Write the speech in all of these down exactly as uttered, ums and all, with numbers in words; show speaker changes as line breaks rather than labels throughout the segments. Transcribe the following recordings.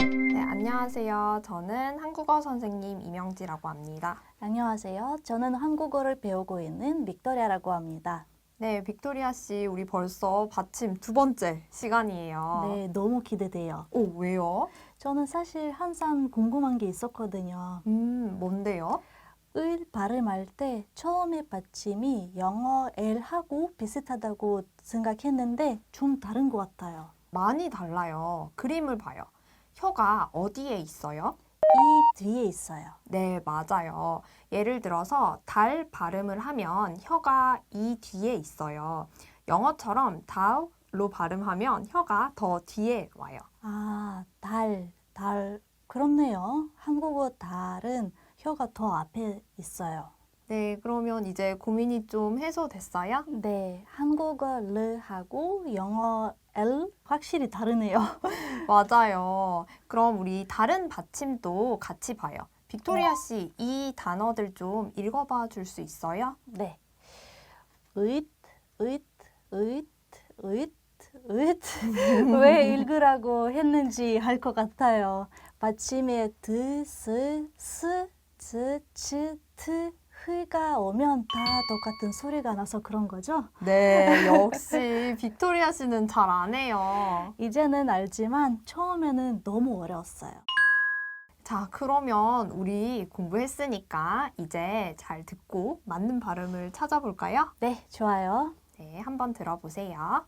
네, 안녕하세요. 저는 한국어 선생님 이명지라고 합니다.
안녕하세요. 저는 한국어를 배우고 있는 빅토리아라고 합니다.
네, 빅토리아 씨, 우리 벌써 받침 두 번째 시간이에요.
네, 너무 기대돼요.
오, 왜요?
저는 사실 항상 궁금한 게 있었거든요.
음, 뭔데요?
을 발음할 때 처음에 받침이 영어 L하고 비슷하다고 생각했는데 좀 다른 것 같아요.
많이 달라요. 그림을 봐요. 혀가 어디에 있어요?
이 뒤에 있어요.
네, 맞아요. 예를 들어서 달 발음을 하면 혀가 이 뒤에 있어요. 영어처럼 다우로 발음하면 혀가 더 뒤에 와요.
아, 달, 달. 그렇네요. 한국어 달은 혀가 더 앞에 있어요.
네, 그러면 이제 고민이 좀 해소됐어요?
네, 한국어 르하고 영어 L 확실히 다르네요.
맞아요. 그럼 우리 다른 받침도 같이 봐요. 빅토리아 씨, 이 단어들 좀 읽어봐 줄 수 있어요?
네. 으잇, 으잇, 으잇, 으잇, 으잇. 왜 읽으라고 했는지 알 것 같아요. 받침에 드, 스, 스, 즈, 츠, 트, 흐가 오면 다 똑같은 소리가 나서 그런 거죠?
네, 역시 빅토리아 씨는 잘 안 해요.
이제는 알지만 처음에는 너무 어려웠어요.
자, 그러면 우리 공부했으니까 이제 잘 듣고 맞는 발음을 찾아볼까요?
네, 좋아요.
네, 한번 들어보세요.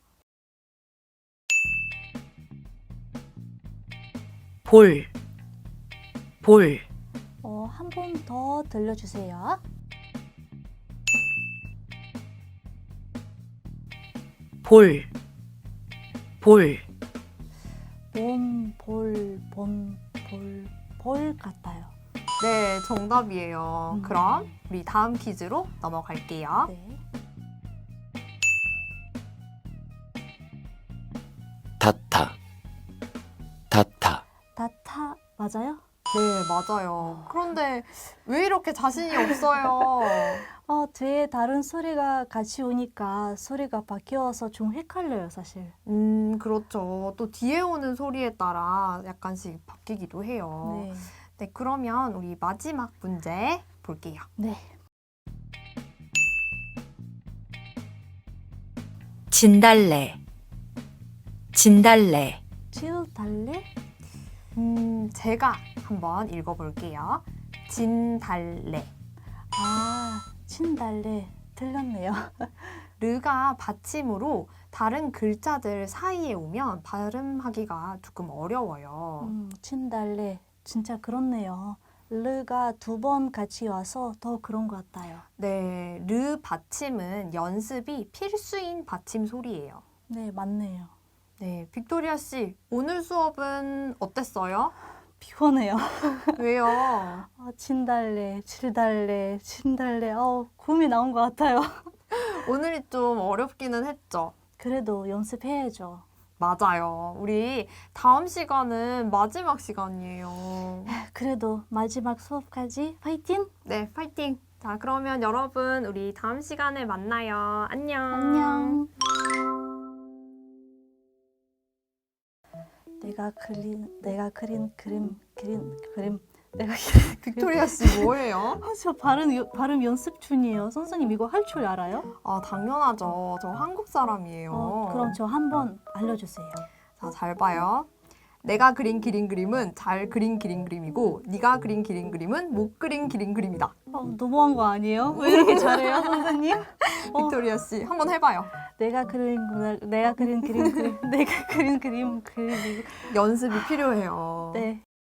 볼, 볼,
어, 한 번 더 들려주세요.
볼, 볼,
봄, 볼, 봄, 볼, 볼 같아요.
네, 정답이에요.
음.
그럼 우리 다음 퀴즈로 넘어갈게요.
네.
다타, 다타,
다타 맞아요?
네, 맞아요. 그런데 왜 이렇게 자신이 없어요?
어, 뒤에 다른 소리가 같이 오니까 소리가 바뀌어서 좀 헷갈려요, 사실.
음, 그렇죠. 또 뒤에 오는 소리에 따라 약간씩 바뀌기도 해요.
네.
네, 그러면 우리 마지막 문제 볼게요.
네.
진달래, 진달래,
칠달래?
음, 제가 한번 읽어볼게요. 진달래.
아, 진달래. 틀렸네요.
르가 받침으로 다른 글자들 사이에 오면 발음하기가 조금 어려워요.
음, 진달래. 진짜 그렇네요. 르가 두 번 같이 와서 더 그런 것 같아요.
네, 르 받침은 연습이 필수인 받침 소리예요.
네, 맞네요.
네, 빅토리아 씨, 오늘 수업은 어땠어요?
피곤해요.
왜요?
아, 진달래, 칠달래, 진달래. 어, 굼이 나온 것 같아요.
오늘이 좀 어렵기는 했죠.
그래도 연습해야죠.
맞아요. 우리 다음 시간은 마지막 시간이에요.
그래도 마지막 수업까지 파이팅!
네, 파이팅! 자, 그러면 여러분, 우리 다음 시간에 만나요. 안녕!
안녕. 내가 그린 내가 그린 그림 그린 그림 내가 그린
빅토리아 씨 뭐예요?
아, 저 발음 요- 발음 연습 중이에요. 선생님 이거 할 줄 알아요?
아, 당연하죠. 저 한국 사람이에요.
어, 그럼 저 한번 알려주세요.
자, 잘 봐요. 내가 그린 기린 그림은 잘 그린 기린 그림이고 네가 그린 기린 그림은 못 그린 기린 그림이다.
어, 너무한 거 아니에요? 왜 이렇게 잘해요, 선생님? 어,
빅토리아 씨, 한번 해봐요.
내가 그린 내가 그린 그림 그림 내가 그린 그림 그림
연습이 필요해요.
네.